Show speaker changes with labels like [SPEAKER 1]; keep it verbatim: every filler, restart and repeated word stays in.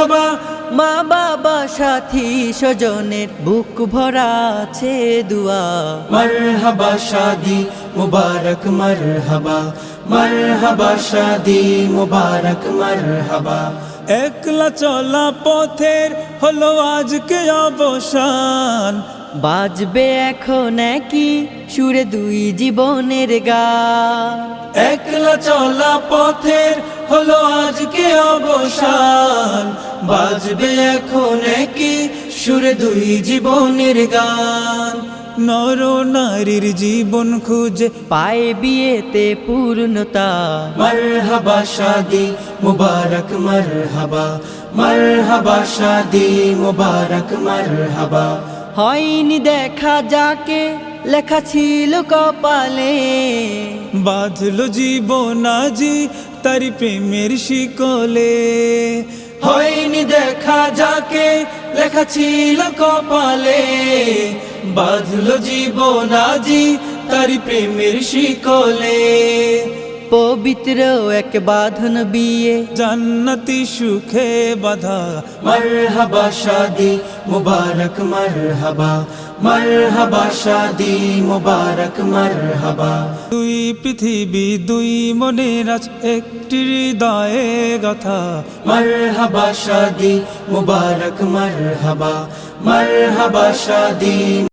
[SPEAKER 1] মারহাবা।
[SPEAKER 2] মা বাবা সাথী স্বজনের বুক ভরা আছে দুয়া।
[SPEAKER 1] মারহাবা শাদি মুবারক মারহাবা, মারহাবা শাদি মুবারক মারহাবা। একলা চলা পথের হলো আজকে অবসান,
[SPEAKER 2] বাজবে এখন কি সুরে দুই জীবনের গান।
[SPEAKER 1] একলা চলা পথের হলো আজকে অবসান, বাজবে এখন কি সুরে দুই জীবনের গান। নর নারীর জীবন খুঁজে
[SPEAKER 2] পায় বিয়েতে পূর্ণতা।
[SPEAKER 1] মারহাবা শাদি মুবারক মারহাবা, মারহাবা শাদি মুবারক মারহাবা।
[SPEAKER 2] হয়নি দেখা যাকে লেখা ছিল কপালে,
[SPEAKER 1] বাঁধলো জীবন আজি তারি প্রেমের শিকলে। হয়নি দেখা যাকে লেখা ছিল কপালে, বাঁধলো জীবন আজি তারি প্রেমের শিকলে।
[SPEAKER 2] পবিত্র এক বাঁধন বিয়ে
[SPEAKER 1] জান্নাতি সুখে বাঁধা। মারহাবা শাদি মুবারক মারহাবা, মারহাবা শাদি মুবারক মারহাবা। দুই পৃথিবী দুই মনের আজ একটি হৃদয়ে গাথা। মারহাবা শাদি মুবারক মারহাবা, মারহাবা শাদি।